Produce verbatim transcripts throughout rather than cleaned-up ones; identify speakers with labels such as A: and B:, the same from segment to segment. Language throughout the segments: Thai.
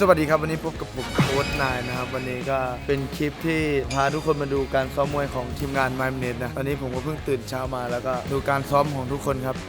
A: วัสดีครับวันนี้พบกับผมโค้ชนายนะครับวันนี้ก็เป็นคลิปที่พาทุกคนมาดูการซ้อมมวยของทีมงานไมล์เนตนะตอนนี้ผมก็เพิ่งตื่นเช้ามาแล้วก็ดูการซ้อมของทุกคนครับ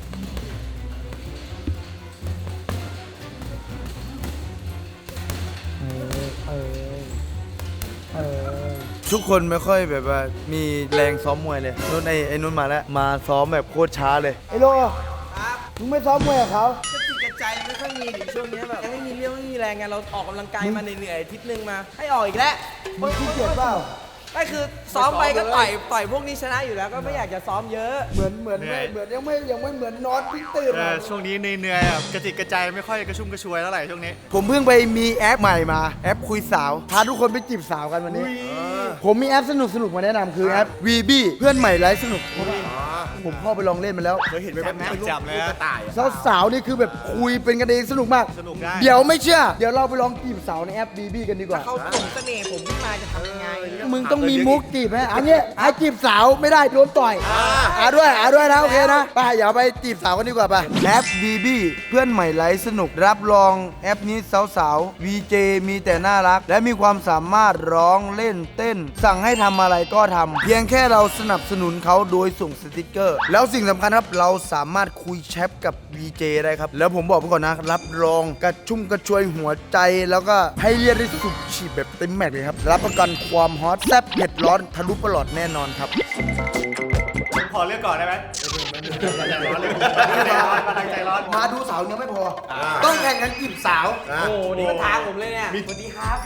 A: ทุกคนไม่ค่อยแบบว่ามีแรงซ้อมมวยเลยนุ่นไอ้ไอ้นุ่นมาแล้วมาซ้อมแบบโคตรช้าเลยไอ้โลมึงไม่ซ้อมมวยกับเขา
B: กระติกกระใจไม่ค่อยมีถึงช่วงนี้แบบยังไม่มีเรี่ยวไม่มีแรงไงเราออกกำลังกายมาเหนื่อยๆอาทิตย์นึงมาให้ออกอีกแล้ว
A: มึงขี้เกียจเปล่า
B: ก็คือซ้อมไปก็ต่อยต่อยพวกนี้ชนะอยู่แล้วก็ไม่อยากจะซ้อมเยอะ
A: เหมือนเหมือนไม่เหมือนยังไม่ยังไม่เหมือนนอนพี่ตื่น
C: ช่วงนี้เหนื่อยๆกระติกกระใจไม่ค่อยกระชุ่มกระชวยเท่าไหร่ช่วงนี้
A: ผมเพิ่งไปมีแอปใหม่มาแอปคุยสาวพาทุกคนไปจีบสาวกันวันนี้ผมมีแอปสนุกสนุกมาแนะนำคือแอป วี บี เพื่อนใหม่ไลฟ์สนุกผมเข้าไปลองเล่นมาแล้ว
C: เคยเห็นไหมจับเลย
A: สาวสาวนี่คือแบบคุยเป็นกันเองสนุกมาก
C: สนุกได้
A: เดี๋ยวไม่เชื่อเดี๋ยวเราไปลองจีบสาวในแอป วี บี กันดีกว่า
B: เขาส่งเสน่ห์ผมขึ้นมาจะทำยังไง
A: มึงต้องมีมุกจีบไหมอันนี้ให้จีบสาวไม่ได้โดนต่อยอ่าด้วยอ่าด้วยนะโอเคนะไปเดี๋ยวไปจีบสาวกันดีกว่าไปแอป วี บี เพื่อนใหม่ไลฟ์สนุกรับรองแอปนี้สาวๆ วี เจ มีแต่น่ารักและมีความสามารถร้องเล่นเต้นสั่งให้ทำอะไรก็ทำเพียงแค่เราสนับสนุนเขาโดยส่งสติกเกอร์แล้วสิ่งสำคัญครับเราสามารถคุยแชทกับ วี เจ ได้ครับแล้วผมบอกไปก่อนนะรับรองกระชุ่มกระชวยหัวใจแล้วก็ให้เรียกได้สุดฉีดแบบเต็มแม็กซ์เลยครับรับประกันความฮอตแซ่บเผ็ดร้อนทะลุปลอดแน่นอนครับ
C: พอเลือกก่อนได้ไหมใจร้อนเลยใจร้อน
A: มาดูสาวยังไม่พอต้องแข่งกันจีบสาว
B: โอ้นี่ก็ท้าผมเลยเนี่ยสวัสดีครับ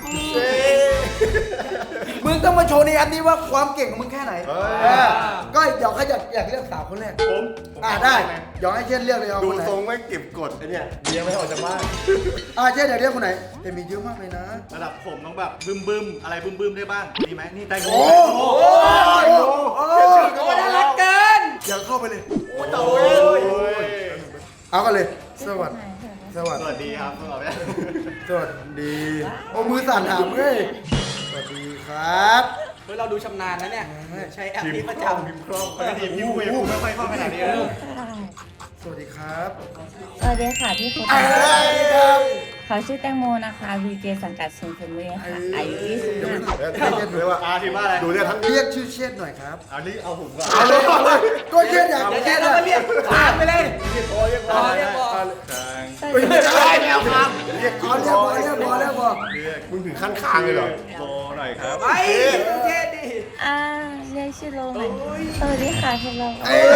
A: มึงต้องมาโชว์ในอันนี้ว่าความเก่งของมึงแค่ไหนก็เดี๋ยวเขาอยากอยากเลือกสาวคนแรก
C: ผม
A: อ่าได้เดี๋ยวให้เช่นเลือกเลยเอา
D: ดูทรงไม่เก็บกดไอ้เนี่ยเบียร์ไม่ออกจากบ้าน
A: อ่าเช่นอยากเลือกคนไหนแต่มีเยอะมากเลยนะ
C: ระดับผมต้องแบบบึ้มบึ้มอะไรบึ้มบึ้มได้บ้างดีไหมนี่ไตโก้
A: โอ้โหโอ้โห
B: น่ารักเกิน
A: อย่าเข้าไปเลย
C: โอ้ย
A: เอากันเลยสวัสดีสวัสดี
C: สวัสดีครับสวัสดี
A: สวัสดีโอ้มือสั่นถามเฮ้ยสวัสดีครับ
B: เฮ้ยเราดูชำนาญนะเนี่ยใช้แอปนี้ประจำ
C: พิมพ์คล่องปกติพิมพ์คุยไม่ค่อยคล่องขนาดนี้
A: สวัสดีครับ
E: สวัสดีค่ะพี่คุณเขาชื่อแตงโมนะคะ วี เจ สังกัดซินฟูมี่ค่ะอายุยี่สิบห้า
A: เรียกเลยว่า
C: อาทีว่าอะไร
D: ดูเนี่ยทั้ง
A: เรียกชื่อเชษหน่อยครับ
C: เอานี้เอาผมก่อน
A: เอาเลยเอาเลยก็เชษอยาก
B: เชษแล้วก็เรียกถามไปเลย
C: เรียกพอเรียกพอเรียกพอ
A: ไม่ใช่
C: แมวครับ
A: เรียกพอเรียกพอเรียกพอเรียกพอ
D: มึงถึงขั้นคางเลยเหรอ
C: โบหน่อยครับ
B: ไปเชษดิ
E: อ่าเรียกชื่อโลเลยสวัสดีค่ะพี่โล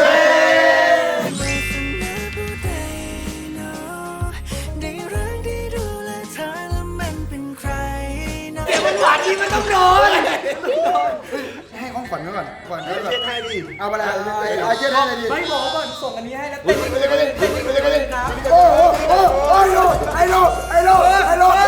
B: หวานที่มันต้องโดน
A: ให้ของขวัญก่อนขวัญก่อน
D: เช็ดให้ดิ
A: เอาไปเลยเอาเช็ดให้เลยดิ
B: ไม่บอกก่อนส่งอันนี้ให้แล้วเต้นไปเลยเต้นไปเลยเต้นไปเลยครับ
A: โอ้โหโอ้โหไอโลไอโลไอโลไอโล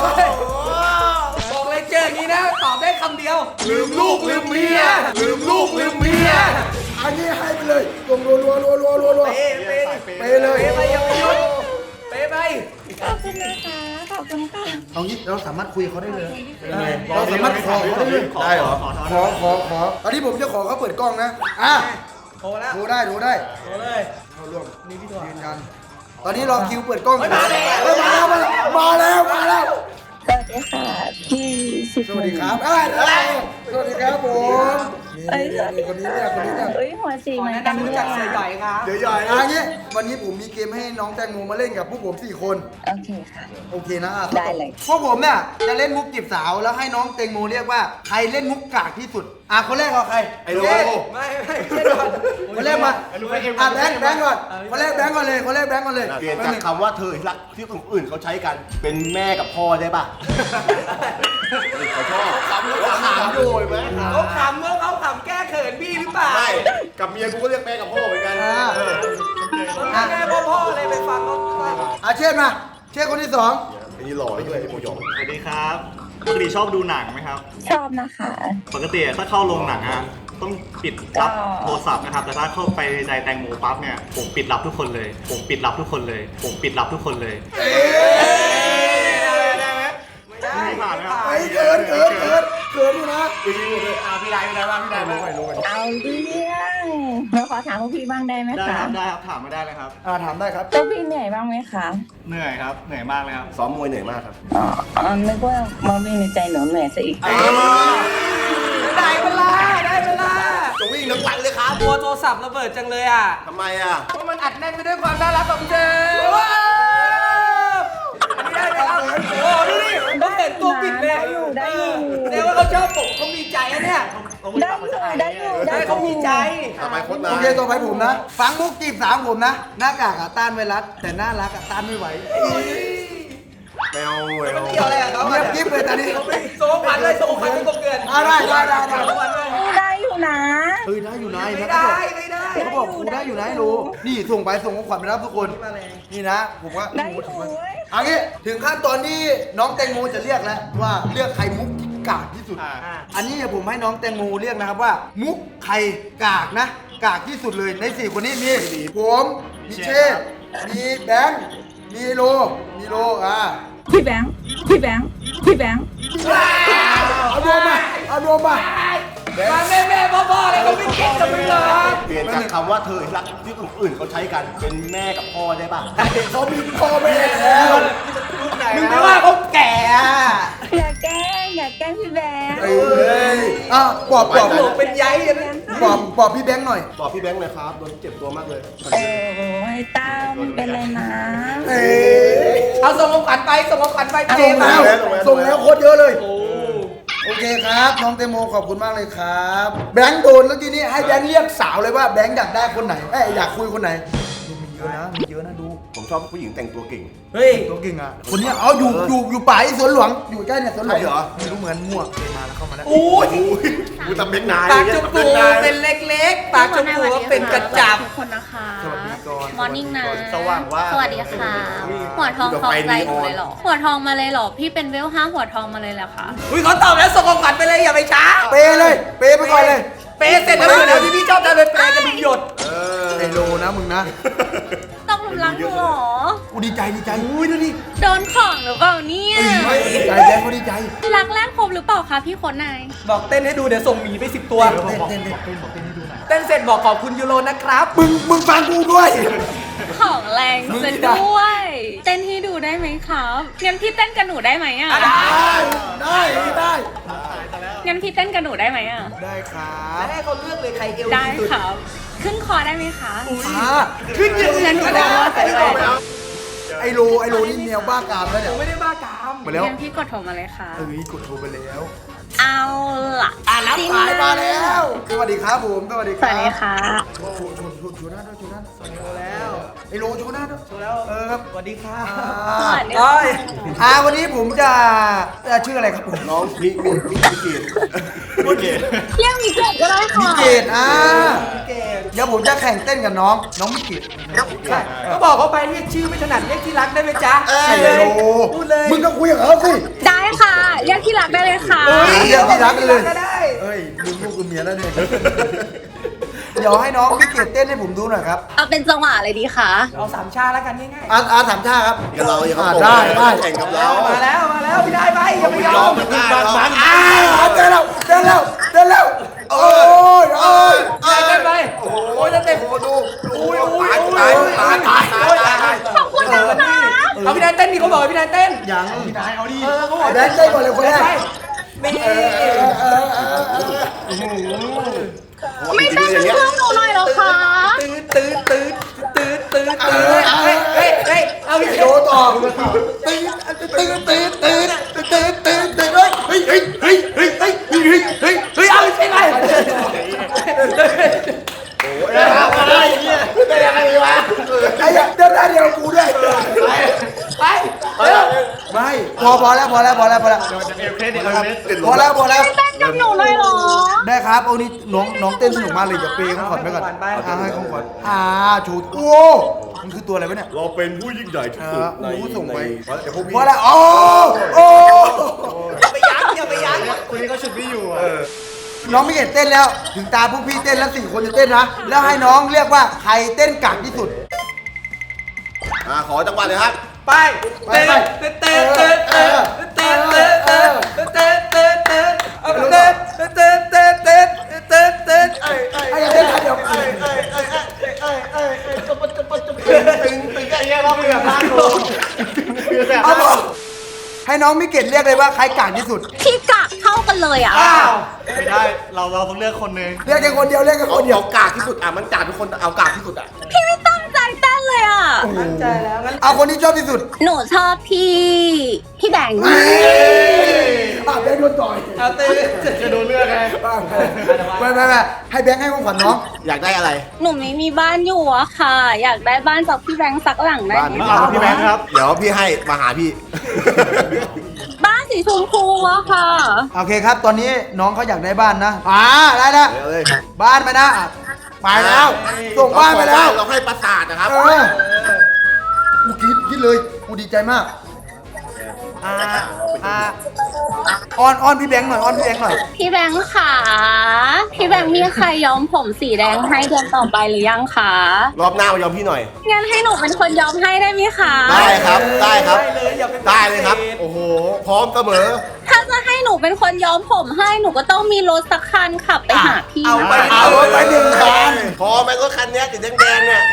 B: บอกเลยเจออย่างนี้นะตอบได้คำเดียว
D: ลืมลูกลืมเมียลืมลูกลืมเมีย
A: อันนี้ให้ไปเลยรวมรัวรัวรัวรัวรัวรัว
B: เป๊ะ
A: เป๊ะเลย
B: เป๊ะไปยังไม่หยุดเป๊ะไป
E: ขอบคุณนะคะขอบคุณค่ะ
A: เอางี้เราสามารถคุยเขาได้เลยเราสามารถขอเขาได้เลย
D: ได้เหรอ
A: ขอขอขอตอนนี้ผมจะขอเขาเปิดกล้องนะอ่ะ
B: โทรแล้ว
A: โทรได้โทรได้
B: โทรเลย
A: เขาร่วมนี่พี่ถอดยืนยันตอนนี้รอคิวเปิดกล้องมาแล้วมาแล้วมาแล้วมาแล้ว
E: สวัสดีค่ะพี่สิบ
A: สวัสดีครับสวัสดีครับผมนี่คนนี้เนี่ยคนนี้เนี่ย
E: เอ้ยหัวสีเหมือนกัน
B: ด้วยจากเสือใหญ่ครับ
A: เสือใหญ่นะงี้วันนี้ผมมีเกมให้น้องแตงโมมาเล่นกับพวกผมสี่คน
E: โอเคค่ะ
A: โอเคนะ
E: ได้เลย
A: พวกผมเนี่ยจะเล่นมุกจีบสาวแล้วให้น้องแตงโมเรียกว่าใครเล่นมุกกากที่สุดอ่ะคนแรกเอาใคร
D: ไอ้โล
B: ไม่ไม่ไม่ก่อน
A: คนแรกมาอ่ะแบงค์แบงค์ก่อนคนแรกแบงค์ก่อนเลยคนแรกแบงค์ก่อนเลย
D: เปลี่ยนจากคำว่าเธอรักที่คนอื่นเขาใช้กันเป็นแม่กับพ่อได้ป่ะเขาชอบขำเขาขำโดยไหม
B: เขาขำเมื่อเขาขำแก้เขินพี่หรือเปล่า
D: ใช่กับเมียกูก็เรียกแม่กับพ่อเหมือนกัน
B: แม่พ่อพ่อเลยไปฟังเขา
A: อ่ะเช่นมาเช่นคนที่สอง
D: ไอ้นี่หล่อด้วยไอ้โมยอง
C: สวัสดีครับปกติชอบดูหนังไหมครับ
E: ชอบนะคะ
C: ปกติถ้าเข้าโรงหนังอะต้องปิดรับโทรศัพท์นะครับแต่ถ้าเข้าไปในแตงโมปั๊บเนี่ยผมปิดรับทุกคนเลยผมปิดรับทุกคนเลยผมปิดรับทุกคนเลย
B: ได้ไหมไม่ได้ผ่านครับ
A: ไอ้เกินเกินเกินเกินผมอยู่นะ
B: เอาพี่ได้พี่ได้บ้างพี่ได้บ้าง
E: เอาเรื่องหนูขอถามพวกพี่บ้างได้ไหม
C: ได้
E: คะ
C: ครับได้ครับถามมาได้เลยครับ
A: อ่าถามได้ครับ
E: พวกพี่เหนื่อยบ้างไหมคะ
C: เหนื่อยครับเหนื่อยมากเลยครับ
D: ซ้อมมวยเหนื่อยมากครับ
E: อ๋ออ๋อนึกว่ามองวิ่งในใจหนูเหนื่อยซะอีก
B: ได้เวลาได้เวลา
D: จะวิ่งทั้งวันเลยครับ
B: ตัวโทรศัพท์ระเบิดจังเลยอ่ะ
D: ทำไมอ่ะ
B: เพราะมันอัดแน่นไปด้วยความน่ารักของเธอว้าวอันนี้ได้ไหมครับโอ้ดูดิเขาเห็นตัวปิดเลย
E: ได้อยู่ได้อยู่
B: แสดงว่าเขาชอบผมเขามีใจอะเนี่ย
E: ได้อยู่ได้อยู่
B: ได้เขามีใจ
D: ต่อไปโค้ชนา
A: โอเคต่อไปผมนะ ฟังมุกจีบสามผมนะ หน้ากากอะต้านไวรัสแต่น่ารักอะต้านไม่ไหว
D: แมวแมว
B: เกี่ยวอะไรกับเขา
A: เงียบกิ๊บเลยตอนนี้
B: โซ่ขวัญเลยโซ่ขวัญเป็นกบเกิน
A: อ่าได้ได้ได้ได้
B: โซ่ขวัญเลย
E: ได้อยู่นะ
A: เฮ้ยได้อยู่นะ
B: ไม่
A: นะ
B: ได้ไม่ได้
A: เขาบอกกูได้อยู่นะไอ้รู้นี่ส่งไปส่งของขวัญไปรับทุกคน นี่นะ ผมว่า
E: ได้อยู่เว้ย
A: เอางี้ถึงขั้นตอนที่น้องแตงโมจะเรียกแล้วว่าเลือกใครมุกที่กากที่สุด
C: อ่า
A: อันนี้เดี๋ยวผมให้น้องแตงโมเรียกนะครับว่า มุกใครกากนะ กากที่สุดเลยในสี่คนนี้มีผมมีเชษฐ์มีแบงค์มีโลมีโลอ่า
E: พี่แบงค์พี่แบงค์พี่แบงค์
A: เอารวมมาเอารวมมา
B: มาแม่แม่พ่อพ่ออะไรเขาไม่คิดกับมึงเหรอ
D: เปลี่ยนจากคำว่าเธอรักที่คนอื่นเขาใช้กันเป็นแม่กับพ่อได้ป่ะ
A: เขามีพ่อแม่แล้ว
B: มึงไม่ว่าเขาแก่อะ
E: อย่าแกล้งอย่าแกล้งพี่แบงค์
A: เอ้ยอ่ะปอบปอบ
B: หลงเป็นใยอะนะ
A: ปอบปอบพี่แบงค์หน่อย
D: บอกพี่แบงค์เลยครับโดนเจ็บตัวมากเลย
E: โอ้ยต้าไม่เป็นไรนะ
A: เอ้ย
B: เอาส่งของขวัญไปส่งของขวัญไป
A: ส่งแล้ว
D: ส่งแล้ว
A: ส่งแล้วโคตรเยอะเลย โอเคครับ น้องเตโมขอบคุณมากเลยครับ แบงค์โดนแล้วทีนี้ให้แบงค์เรียกสาวเลยว่าแบงค์อยากได้คนไหนเอ้ยอยากคุยคนไหนมีเยอะนะมีเยอะนะดู
D: ผมชอบผู้หญิงแต่งตัวเก่ง
B: เฮ้ย
A: ตัวเก่งอ่ะคนเนี้ยเอาอยู่อยู่อยู่ป่าที่สวนหลวงอยู่ใกล้เนี่ยสวนหลวง
D: ใช่เหรอ
A: ไม่รู้เหมือนมั่วเคยมาแล้วเข้ามาแล้ว
B: โอ้ย
D: กูทำเป็นนาย
B: ปากจมูกเป็นเล็กๆ ปากจมูกเป็นกระจับ
F: ทุกคนนะคะ
A: สวัสดีก่อน
F: มอร์นิ่งนะ
D: สว่างว่า
F: สวัสดีค่ะ หัวทองคลองใจหนูเลยเหรอ หัวทองมาเลยเหรอ พี่เป็นเวลห้าหัวทองมาเลยเหรอคะ
B: อุ้ยเขาตอบแล้วส่งของขวัญไปเลยอย่าไปช้า
A: เปเลย เปไปก่อนเลย
B: เปย์เสร็จแล้วเดี๋ยวที่พี่ชอบทำเป็นเปย์จะมีหยด
D: เออ
A: ไอโลนะมึงนะ
F: ต้องรุมรักหนูเหรอ
A: กูดีใจดีใจอุ้ยดูดิ
F: โดนของหรือเปล่าเนี่ย
A: ดีใจแบงค์ก็ดีใจ
F: รักแรกพบหรือเปล่าคะพี่คนนาย
B: บอกเต้นให้ดูเดี๋ยวส่งหมีไปสิบตัว
A: เต้นเต้นเต้นเต้นบอกเต้นให้ดูหน่อย
B: เต้นเสร็จบอกขอบคุณยูโรนะครับ
A: มึงมึงฟังกูด้วย
F: ของแรงซะด้วย เต้นให้ดูได้ไหมครับงั้นพี่เต้นกับหนูได้ไหมอ่ะ
A: ได้ได้ได้
F: งั้นพี่เต้นกับหนูได้ไหมอ่ะ
A: ได้ครับ
B: ให้เขาเลือกเลยใครเอว
F: ได้
B: ดีสุด
F: ครับ ขึ้นคอได้ไหมคะ
A: อ่า
B: ขึ้นยืน
F: งั้นหนู
B: ก็
F: จะ
B: ได้
F: ว่าไปด้วย
A: ไอโลไอโลนี่แนวบ้ากามแล้วเนี่ย
B: ไม่ได้บ้ากาม
A: มาแล้ว
F: งั้นพี่กดโทรมาเลยค่ะ
A: เอ้ยกดโทรไปแล้ว
F: เอาล่ะ
A: อ่ารับสายมาแล้ว สวัสดีครับผม สวัสดีค
F: ส
A: รับ
F: วัสดีค่ะ
A: โอ้โหชวนชวนชวนหน้าด้วยชวนหน้าด้วย
B: โชว์แล้ว
A: ไอโลชวนหน้าด้วย
B: โชว์แล้ว
A: เออครับ
B: สวัสดีค่ะ
F: สวัสดี
B: โอ้ย
A: อ่าวันนี้ผมจะจะชื่ออะไรครับผม
D: น้องมิมิมิมิเกตมิเกต
F: เรียกมีเกิดก็ได้
A: มิ
F: ค่ะ
A: เกตอ่า
B: เก่ง
A: เดี๋ยวผมจะแข่งเต้นกับน้องน้องมิเกต
B: ใช่ก็บอกเขาไปเรียกชื่อไม่ถนัดเรียกที่รักได้ไหมจ๊ะ
A: ไอโล
B: พูดเลย
A: มึงก็คุยกับเขาสิ
F: ได้ค่ะเรียกที่รักได้เลยค่ะ
A: เฮ้ยเรียกที่รักเลย
B: ก็ได้
A: เอ้ยมึงลูกกับเมียแล้วเนี่ย เดี๋ยวให้น้องมิเกตเต้นให้ผมดูหน่อยครับ
F: เอาเป็นจังหวะอะไรดีคะ
B: เอาสามชาแล้วกันง่าย
A: อาอาสามชาครับ
D: กับเราอย่า
A: อ่า
D: เขา
A: ได้ได้
D: แข่งกับ
B: ๆ
D: เรา
B: มาแล้วมาแล้วพี่ได้ไปอย่าไปย
D: ย
B: อ
D: อ
B: ม
D: มมันได้เหรอ
A: อ้าวเต้นแล้วเต้นแล้วเต้นแล้วโอ้ยโอ้ย
B: ได้ได้ไปโอ้ยจะเต็ม
D: โอ้ดู
B: อุ้ยอุ้ย
D: ตาย
B: อุ้ย
D: ตายตายตายตายตาย
F: ขอบคุณนะคะ
B: เอาพี่นายเต้นดิเขาบอกให้พี่นายเต้น
A: ยังพี่นายเอาดิ
B: เออเขาบอก
A: แบงค์เต้นก่อนเลยคนแรก
B: นี่
A: เออเออเออเออเออ
F: ไม่เต้นเป็นเพื่อนหนูหน่อยเหรอคะ
B: ตื้อตื้อตื้อตื้อตื้อตื้อเฮ้ยเฮ้ยเฮ้ยเอาพี่
A: โดต่อตื่นตื่นตื่นตื่นตื่นตื่นตื่นเฮ้ยเฮ้ยเฮ้ยเฮ้ยเฮ้ยเฮ้ยเฮ้ยเฮ้ย
B: เฮ้ยเอาใช่ไหม
D: อะไรเนี่ยเป็นยังไงวะ
A: ไอ้เดินได้เดียวกูด้วย
B: ไปเร็ว
A: ไม่พอพอแล้วพอแล้วพอแล้วพอแล้ว
C: จะมีเครดิตเลย
A: พอแล้วพอแล้ว
F: เต้นกับหนูหน่อยเหรอ
A: ได้ครับโอ้นี่น้องน้องเต้นสนุกมากเลยอย่าเปย์ของขวัญไปก่อนอ่าให้ของขวัญอ่าชูโอ้มันคือตัวอะไรวะเนี่ย
D: เราเป็นผู้ยิ่งใหญ่ที่สุดในในเดี๋ยวพวกพี่
A: พอแล้วโอ้โอ้
B: อย่าไปยั้งอย่าไปยั้ง
C: คนนี้เขาฉุดพี่อยู่อ่ะ
A: น้องไม่เห็นเต้นแล้ว ถึงตาพวกพี่เต้นแล้วสี่คนจะเต้นนะแล้วให้น้องเรียกว่าใครเต้นกากที่สุด
D: อ่าขอจังหวะเลยครับ
B: ไปเต้นเต้นเต้นเต้นเต้นเต้นเต้นเต้นเต้นเต้นเต้นเอาเต้น
A: น้องมิเกตเรียกเลยว่าใครกากที่สุด
F: พี่กากเท่ากันเลยอ่ะ
A: อ้าว
C: ไม่ได้เราเราต้องเลือกคนหนึ่ง
A: เรียกแค่คนเดียวเรียกแค่
D: เขา
A: คนเดี
D: เดี
A: ย
D: ยว วกากที่สุดอ่ะมันกากทุกคนเอากากที่สุดอ่ะ
F: พี่ไม่ตั้งใจเต้นเลยอ่ะ
B: ตั้งใจแล้วงั้น
A: เอาคนที่ชอบที่สุด
F: หนูชอบพี่ พี่แบงค์
A: อ่ะแบงค์โดนต่อย
B: เอาตี
C: จะโดนเลือกไง
A: ไม่ไม่ไม่ให้แบงค์ให้ของขวัญน้อง
D: อยากได้อะไร
F: หนูไม่มีบ้านอยู่อะค่ะ อยากได้บ้านจากพี่แบงค์สักหลังได้
D: บ้าน
F: ไหม
D: ไม่
C: เอาพี่แบงค์ครับ
D: เดี๋ยวพี่ให้มาหาพี่
F: บ้านสีชมพูอะค่ะ
A: โอเคครับ ตอนนี้น้องเขาอยากได้บ้านนะอ่าได้แล้ว
D: เดี๋ยวเลย
A: บ้านไปนะอ่ะไปแล้ว ส่งบ้านไปแล้ว
D: เราให้ประสาทนะครับ
A: เออกูคิดคิดเลย กูดีใจมาก อ่า อ่าออนออนพี่แบงค์หน่อยออนพี่แบงค์หน่อย
F: พี่แบงค์ค่ะ พี่แบงค์มีใครย้อมผมสีแดงให้เดือนต่อไปหรือยังคะ
D: รอบหน้ามายอมพี่หน่อย
F: งั้นให้หนูเป็นคนย้อมให้ได้ไหมคะ
D: ได้ครับ ได้ครับ
B: ได้เลยอย่าเป็น
D: ได้เลยครับ โอ้โห พร้อมเสมอ
F: ถ้าจะให้หนูเป็นคนย้อมผมให้หนูก็ต้องมีรถสักคันขับไปหาพี่
B: เอาไป
A: เอารถไปหนึ่งคัน
D: พอไหมรถคันเนี้ยสีแดงๆเนี่ย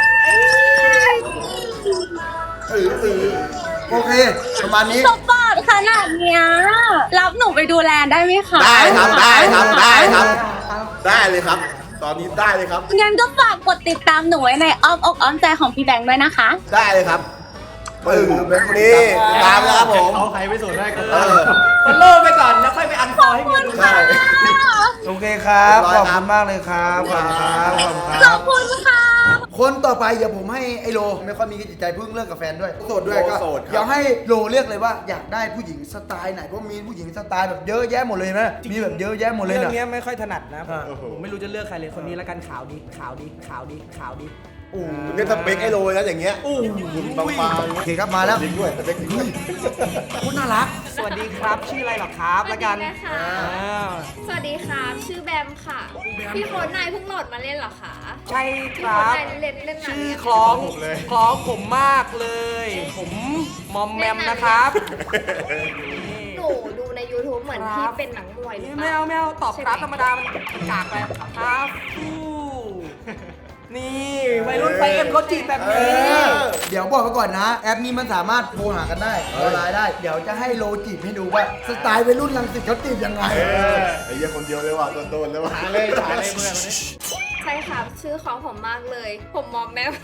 A: โอเค ประมาณนี้
F: สปอร์ตขนาดเนี้ยรับหนูไปดูแลได้ไหมคะ
D: ได้ครับ ได้ครับ ได้ครับ ได้เลยครับ ตอนนี้ได้เลยครับ
F: งั้นก็ฝากกดติดตามหนูไว้ในอ้อมอกอ้อมใจของพี่แบงค์ด้วยนะคะ
D: ได้เลยครับปึ้งนี่ตามแล้วครับผม
C: เขาใครไม่สนได้ก็
D: เออ
B: ฟอลโล่ไปก่อนแล้วค่อยไปอันฟอลให้เมียดู
D: ใช่
A: โอเคครับ
D: เรี
A: ข
D: ย
A: อ
D: บบ ร้อยครั
A: คุ
D: บ
A: ณมากเลยครับ ขอบคุณครับขอบคุณค
F: ข
A: รั
F: อ
A: บบ
F: คุณค่ะ
A: คนต่อไปเดี๋ยวผมให้ไอโลไม่ค่อยมีจิตใจเพิ่งเลิกกับแฟนด้วยโสดด้วยก็
D: โสดครับ
A: เดี๋ยวให้โลเลือกเลยว่าอยากได้ผู้หญิงสไตล์ไหนเพราะมีผู้หญิงสไตล์แบบเยอะแยะหมดเลยนะมีแบบเยอะแยะหมดเลย
B: เรื่อ
A: นะ
B: งเนี้ยไม่ค่อยถนัดนะ
A: อ่า
B: ผมไม่รู้จะเลือกใครเลยคนนี้แล้วกันขาวดีขาวดีขาวดีขาวดี
A: โอ้
D: เนี่ยสเปคไอ้โรยแล้วอย่างเงี้ย
B: อู้
D: บางๆ
A: โอเคครับมาแล้ว
D: จริงด้วยสเปคจริงด้วย
A: คุณน่ารัก
B: สวัสดีครับชื่ออะไรหรอครับแล้วกัน
G: สวัสดีนะคะ
B: อ่า
G: สวัสดีค่ะ ชื่อแบมค่ะ พี่โค้ดนายเพิ่งโหลดมาเล่นเหรอคะ
B: ใช่ค
G: พี่
B: รั
G: โค้ด
B: บ
G: นายเล่นเล่นนาน
B: ชื่อ
G: หรืยัง
B: คล้องคล้องผมมากเลย ผมมอมแมมนะครับ
G: หนูดูใน YouTube เหมือน
B: ครั
G: พี่
B: บ
G: เป็นหนังมวยหรือเป
B: ไม่
G: ล่า
B: เอาไม่เอาตอบ
G: ใช่
B: ครับ
G: ไหม
B: ธรรมดามันกากไปครับฟู่นี่วัยรุ่นไฟเอ็มเขาจีบแบบ
A: เอ
B: นี้
A: อเดี๋ยวบอกไว้ก่อนนะ แอปนี้มันสามารถโทรหากันได้ออนไลน์ได้ เดี๋ยวจะให้โลจีบให้ดูว่าสไตล์วัยรุ่นรังสิตเขาจีบยังไง
D: ไอ้เหี้ยคนเดียวเลยว่ะโดนๆเลยว่ะ
C: หาเลยหาเลยเพื่อนคนนี้
G: ใช่ค่ะ ชื่อของผมมากเลย ผมมอมแมม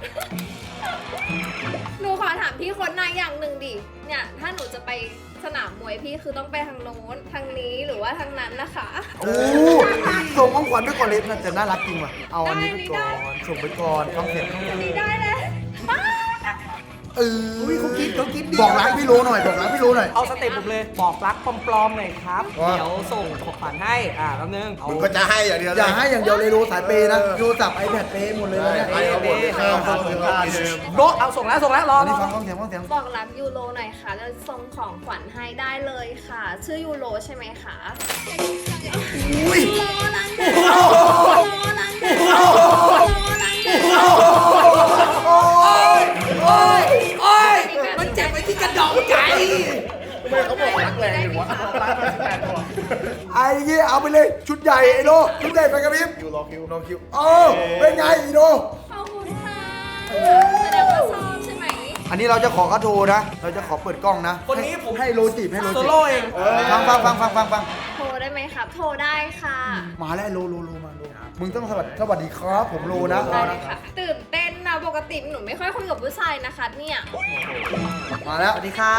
G: หนูขอถามพี่โค้ดนายอย่างหนึ่งดิ เนี่ย ถ้าหนูจะไปสนามมวยพี่คือต้องไปทางโน้น ทางนี้หรือว่าทางนั้นนะคะ
A: โอ้ส่งของขวัญไปก่อนเลยน่าจะน่ารักจริงว่ะ เอาอันนี้ไปก่อน ส่งไปก่อนฟังเสียง
G: นี่ได้เลย
A: เออเขาคิดเขาคิดบอกรักพี่โลหน่อย บอกรักพี่โลหน่อย
B: เอาสเต็ปผมเลย บอกรักปลอมๆหน่อยครับ
A: ว่า
B: เดี๋ยวส่งของขวัญให้ อ่าแป๊บนึงเอา
D: มึงก็จะให้อย่างเดียวเล
A: อย่าให้อย่างเดียวเลยโลสายเปย์นะโทรศัพท์ไอแพดเปย์หมดเลยแล้วเนี่ย
D: ให้เอาหมดเลยครับครับครับ
B: โบะเอาส่งแล้วส่งแล้วรอ
A: อัน
B: ร
A: นี้
B: อ
A: ฟังฟังเสียงฟังเสียง
G: บอกรักยูโรหน่อยค่ะ แล้วส่งของขวัญให้ได้เลยค่ะ ชื่อยูโรใช่ไหมคะ
A: อุ้ย
G: โลลังเดโลลังเดโลลังเด
B: โอ้ยโอ้ยโอ้ยมันเจ็บไปที่กระดองใจ
D: ไม่เขาบอกรักแรงอยู่วะ
A: ไอ้ยี่เอาไปเลยชุดใหญ่ไอ้โลชุดใหญ่ไปกระพริบ
D: คิวรอคิว
A: รอคิวโอ้เป็นไงอีโล
G: ขอบคุณค่ะแสดงว่าชอบใช่ไหม
A: อันนี้เราจะขอเขาโทรนะ เราจะขอเปิดกล้องนะ
B: คนนี้ผม
A: ให้โลจีบให้โล
B: โซ
A: จีบ
B: โล่เอง
A: ฟังฟังฟังฟังฟังฟัง
G: โทรได้ไหมครับ โทรได้ค่ะ
A: มาแล้วโลโลโลมาโลมึงต้องสวัสดีสวัสดีครับผมโลนะ
G: ได้เลยค่ะ ตื่นเต้นนะ ปกติหนูไม่ค่อยคุยกับผู้ชายนะคะเนี่ย
A: มาแล้ว
B: สวัสดีครับ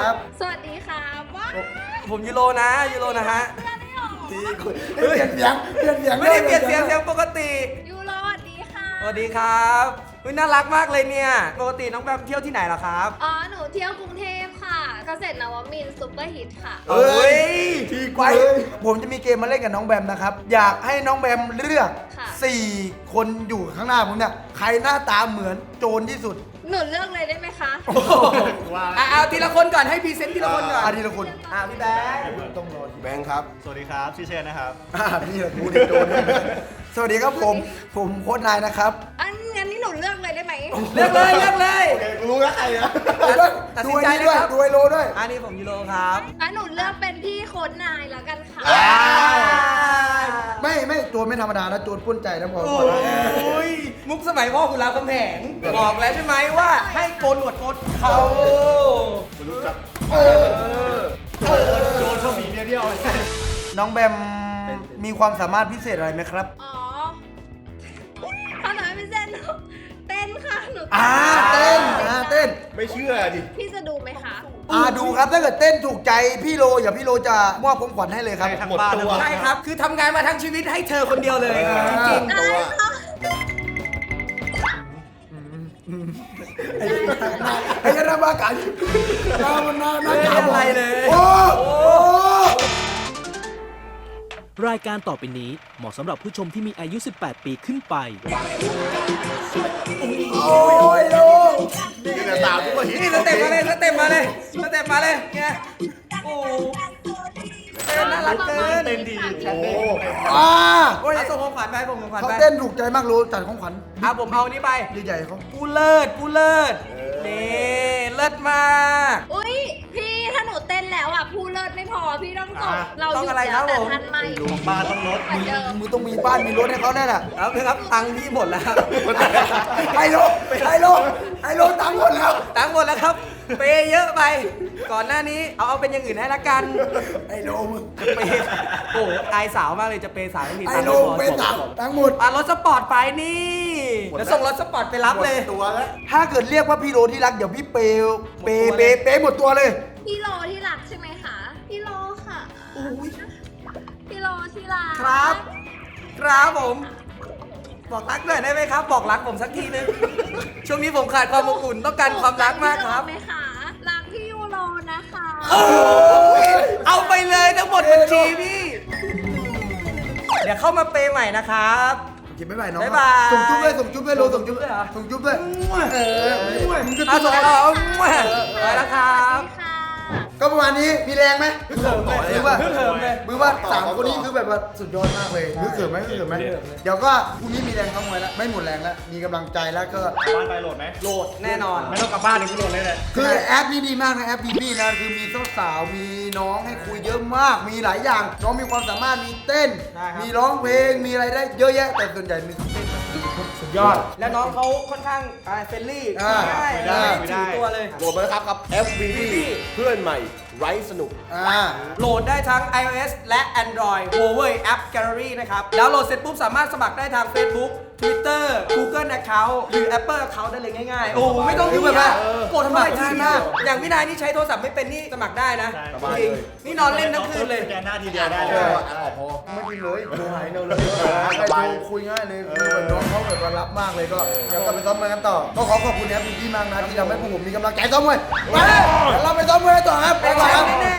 G: สวัสดีค่ะว้าว
B: ผมยูโรนะยูโรนะฮะ
A: เปลี่ยนเสียงเปลี่ยนเสียง
B: ไม่ได้เปลี่ยนเสียงเสียงปกติ
G: ยูโรสวัสดีค่ะ
B: สวัสดีครับอุ๊ยน่ารักมากเลยเนี่ย ปกติน้องแบมเที่ยวที่ไหนเหรอครับ
G: อ๋อ หนูเที่ยวกรุงเทพค่ะ เกษตรนวมินทร์ซุปเปอร์ฮิตค่ะ
A: เอ้ยที่ไว้ผมจะมีเกมมาเล่นกับน้องแบมนะครับ อยากให้น้องแบมเลือก
G: ค่ะ
A: สี่คนอยู่ข้างหน้าผมเนี่ย ใครหน้าตาเหมือนโจรที่สุด
G: หนูเลือกเลยได้ไหมคะ
B: อ่ะเอาทีละคนก่อนให้พรีเซนต์ทีละคนก่อน
A: อาทีละคน
B: อ่ะพี่แบงค์
A: ต้องรอ
D: แบงค์ครับ
C: สวัสดีครับชื่อเชนนะครับ
A: อ่านี่แหละกูเด็กโจรสวัสดีครับผม ผมโค้ชนายนะครับ
G: อันงั้นนี่หนูเลือกเลยได้ไหม
B: เลือกเลยเลือกเลย
D: โอเคกูรู้แล้วใครนะ
B: ตัด
A: ดู
B: สินใจ
A: ไอ้นี่ด้วย
B: นะครับ
A: ดูไอโลด้วย
B: อันนี้ผมยูโรครับ
G: งั้นหนูเลือกเป็นพี่โค้ดนายแล้วกันค่ะ
A: ไม่ไม่โจรไม่ธรรมดานะโจรปล้นใจนะพอ
B: โอ
A: ก่อนนะ
B: ้ยมุกสมัยพ่อคุณรามคำแหงบอกแล้วใช่ไหมว่าให้โกนหนวดโกนเขา
D: กูรู้จัก
A: โ
C: โจนชอบมีเมียเดียว
A: น้องแบมมีความสามารถพิเศษอะไรไหมครับ
G: อ๋อขนาดไม่เต้นเต้นค่ะหนู
A: อ่าเต้นอ่าเต้น
D: ไม่เชื่อดิ
G: พี่จะดูไหมคะ
A: อ่าดูครับถ้าเกิดเต้นถูกใจพี่โลอย่าพี่โลจะมอบของขวัญให้เลยครับ
C: ทั้งบ้าน
D: หมดตัว
B: ใช่ครับ คือทำงานมาทั้งชีวิตให้เธอคนเดียวเลย จริง
G: ได้ค่ะ
A: ไอ้ยันนาบากันน้ามันน้าน้า
B: ๆ
A: จ๋า
B: อะไรเลย
A: โอ้โห
H: รายการต่อไปนี้เหมาะสำหรับผู้ชมที่มีอายุ สิบแปด ปีขึ้นไป
A: โอ้ยโล
D: นี่ก็ตามทุกคน
B: นี่สเต็ปมาเลยสเต็ปมาเลยสเต็ปมาเลยไงโอ้เต้นน่ารักเกิน
C: เต้นดีแชทเต้น
A: อ่า
B: โอ้ยเอาส่งของขวัญไปส่งของขวัญ
A: เขา
B: ไป
A: เต้นถูกใจมากโลจัดของขวัญ
B: อ่ะผมเอานี่ไป
A: ใหญ่ๆเขา
B: กูเลิศกูเลิศนี่เลิศมาก
G: อุ้ยพี่ถ้าหนูเต้นแล้วอ่ะพูดเลิศไม่พอพี่ต้องส่ง
C: อ่ะ
G: เราห
B: ต้อง
G: ยุด
B: อะไรครั
G: แล้
B: บ
G: วแต่
B: ผม
G: ทันไม่
C: ของบ้านต้องลด
G: เหมือนเดิม
A: มึงต้องมีบ้านมีรถให้เขาแน่แหละ
B: แล้วนะครับตังค์พี่หมดแล้วครับ
A: ไฮโลไฮโลไฮโลตังค์หมดแล้ว
B: ตังค์หมดแล้วครับ เปย์เยอะไป ก่อนหน้านี้เอาเอาเป็นอย่างอื่นให้ละกัน
A: ไฮโลมึง
B: เปย์โอ้อายสาวมากเลยจะเปย์สาวไม่มี
A: ไฮ
B: ตังค์
A: โล
B: ไม่พอ
A: เป็นตังค์ตังค์หมด
B: อ่ะรถสปอร์ตไปนี่แล้วส่งรถสปอร์ตไปรับเลย
D: ตัวแล้ว
A: ถ้าเกิดเรียกว่าพี่โลที่รักเดี๋ยวพี่เปย์เปย์เปย์เปย์หมดตัวเลย
G: พี่โลที่รักใช่ไหมคะ พี่โลค่ะพี่โลที่รัก
B: ครับ ครับผม บอกรักหน่อยได้ไหมครับ บอกรักผมสักทีนึง ช่วงนี้ผมขาดความอบอุ่นต้องการความรักมากครับ
G: ไหมคะรักพี่ยูโรนะคะ
B: เอาไปเลยทั้งหมดบัญชีพี่ เดี๋ยวเข้ามาเปย์ใหม่นะครับ
A: กินไม่ไหวน้อง
B: บ๊ายบาย
A: ส่งจุ๊บด้วยส่งจุ๊บด้วยโลส่งจุ๊บ
B: ส่งจุ๊บด้วยเหรอ
A: ส่งจุ๊บด้วยเออมึงจะ
B: เอา
A: จุ๊
B: ส่
A: บ
B: ง
A: อะไร
B: เอาไปแล้วครับ
G: ค่ะ
A: ก็ประมาณนี้มีแรงไหม
D: ฮึกเหิมต่อเลย
A: มือว่า
B: ฮึกเหิมเลย
A: มือว่าสามคนนี้คือแบบว่าสุดยอดมากเลยฮึกเหิมไหมฮึกเหิมไหมเดี๋ยวก็พรุ่งนี้มีแรงเข้ามวยแล้วไม่หมดแรงแล้วมีกำลังใจแล้วก็
C: บ้านไปโหลดไหม
B: โหลดแน่นอน
C: ไม่ต้องกลับบ้านเลยกูโหลดเลยแหละ
A: คือแอปนี้ดีมากนะแอปบีบีนะคือมีสาวๆมีน้องให้คุยเยอะมาก มีหลายอย่าง น้องมีความสามารถมีเต้น
B: ได้ครับ
A: มีร้องเพลงมีอะไรได้เยอะแยะ แต่ส่วนใหญ่มีเต้นสุดยอด
B: แล้วน้องเขาค่อนข้างเฟรนลี่
A: อ่า
B: ง่าย
A: ได้
B: ไม่ถือตัวเลย
D: โหลดมาแล้วครับกับ เอฟ วี ดี เพื่อนใหม่ไร้สนุก
A: อ่า
B: โหลดได้ทั้ง iOS และ Android Huawei App Gallery นะครับ แล้วโหลดเสร็จปุ๊บสามารถสมัครได้ทาง Facebook Twitter Google Account หรือ Apple Account ได้เลยง่ายๆ โอ้ไม่ต้อง
A: คือ
B: ยุ่ง
A: แบบ
B: ยา
A: ว่าก
B: กดเข้าไป
A: สมัคร
B: ที
A: ง่าย
B: เดี
A: มาก
B: ยวอย่างวินัยนี่ใช้โทรศัพท์ไม่เป็นนี่สมัครได้นะ
D: สบาย
B: จริง
D: เลย
B: นี่นอนเล่นทั้งคืนเลย
C: สแกนหน้าทีเดียวได้
A: เอ
C: เลย
A: อไม่กินเลยโทรหายเร็วเลยใครโทรคุยง่ายเลยคือแบบน้องเขาแบบว่ารับมากเลยก็เดี๋ยวกลับไปซ้อมมวยกันต่อ ก็ขอขอบคุณแอปบีบีมากนะที่ทำให้พวกผมมีกำลังใจซ้อมมวยไปเดี๋ยวเราไปซ้อมมวยกันต่อครับไปก่อนครับ